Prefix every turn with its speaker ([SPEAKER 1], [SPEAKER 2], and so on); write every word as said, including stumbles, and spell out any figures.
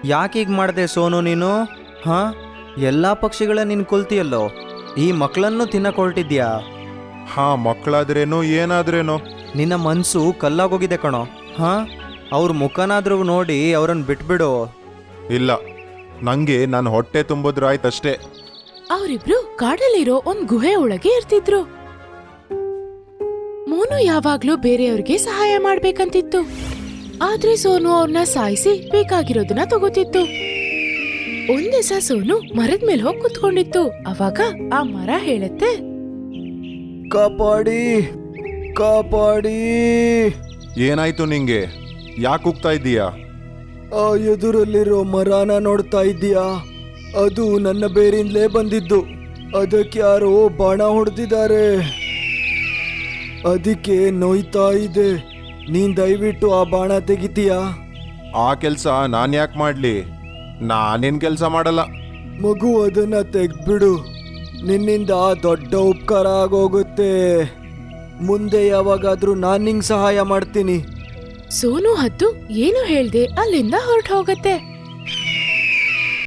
[SPEAKER 1] ಯಾಕೆ ಹೀಗೆ ಮಾಡಿದೆ ಸೋನು ನೀನು? ಹಾಂ, ಎಲ್ಲ ಪಕ್ಷಿಗಳ ನೀನು ಕೊಲ್ತಿಯಲ್ಲೋ, ಈ ಮಕ್ಕಳನ್ನು ತಿನ್ನಕ್ಕೆ ಹೊರಟಿದ್ಯಾ?
[SPEAKER 2] ಹಾ, ಮಕ್ಕಳಾದ್ರೇನು ಏನಾದ್ರೇನು.
[SPEAKER 1] ನಿನ್ನ ಮನಸ್ಸು ಕಲ್ಲಾಗೋಗಿದೆ ಕಣೋ. ಹಾಂ, ಅವ್ರ ಮುಖನಾದ್ರೂ ನೋಡಿ ಅವ್ರನ್ನ ಬಿಟ್ಬಿಡು.
[SPEAKER 2] ಇಲ್ಲ, ನಂಗೆ ನನ್ನ ಹೊಟ್ಟೆ ತುಂಬಿದ್ರಾಯ್ತಷ್ಟೇ.
[SPEAKER 3] ಅವರಿಬ್ರು ಕಾಡಲ್ಲಿರೋ ಒಂದ್ ಗುಹೆ ಒಳಗೆ ಇರ್ತಿದ್ರು. ಮೋನು ಯಾವಾಗ್ಲೂ ಬೇರೆಯವ್ರಿಗೆ ಸಹಾಯ ಮಾಡ್ಬೇಕಂತಿತ್ತು, ಆದ್ರೆ ಸೋನು ಅವ್ರನ್ನ ಸಾಯಿಸಿ ಬೇಕಾಗಿರೋದನ್ನ ತಗೋತಿತ್ತು. ಒಂದ್ ದಿವಸ ಸೋನು ಮರದ ಮೇಲೆ ಹೋಗಿ ಕುತ್ಕೊಂಡಿತ್ತು. ಅವಾಗ ಆ ಮರ ಹೇಳುತ್ತೆ,
[SPEAKER 1] ಕಾಪಾಡಿ ಕಾಪಾಡಿ.
[SPEAKER 2] ಏನಾಯ್ತು ನಿಂಗೆ? ಯಾಕೆ ಹೋಗ್ತಾ ಇದ್ದೀಯಾ?
[SPEAKER 1] ಆ ಎದುರಲ್ಲಿರೋ ಮರಾನ ನೋಡ್ತಾ ಇದ್ದೀಯಾ? ಅದು ನನ್ನ ಬೇರಿಂದಲೇ ಬಂದಿದ್ದು. ಅದಕ್ಕೆ ಯಾರೋ ಬಾಣ ಹೊಡೆದಿದ್ದಾರೆ, ಅದಕ್ಕೆ ನೋಯ್ತಾ ಇದೆ. ನೀನ್ ದಯವಿಟ್ಟು ಆ ಬಾಣ ತೆಗಿತೀಯಾ?
[SPEAKER 2] ಆ ಕೆಲಸ ನಾನು ಯಾಕೆ ಮಾಡಲಿ? ನಾನೇನು ಕೆಲಸ ಮಾಡಲ್ಲ.
[SPEAKER 1] ಮಗು, ಅದನ್ನ ತೆಗ್ಬಿಡು. ನಿನ್ನಿಂದ ದೊಡ್ಡ ಉಪಕಾರ ಆಗೋಗುತ್ತೆ. ಮುಂದೆ ಯಾವಾಗಾದ್ರೂ ನಾನು ನಿಂಗೆ ಸಹಾಯ ಮಾಡ್ತೀನಿ.
[SPEAKER 3] ಸೋನು ಹದ್ದು ಏನು ಹೇಳ್ದೆ ಅಲ್ಲಿಂದ ಹೊರಟು ಹೋಗತ್ತೆ.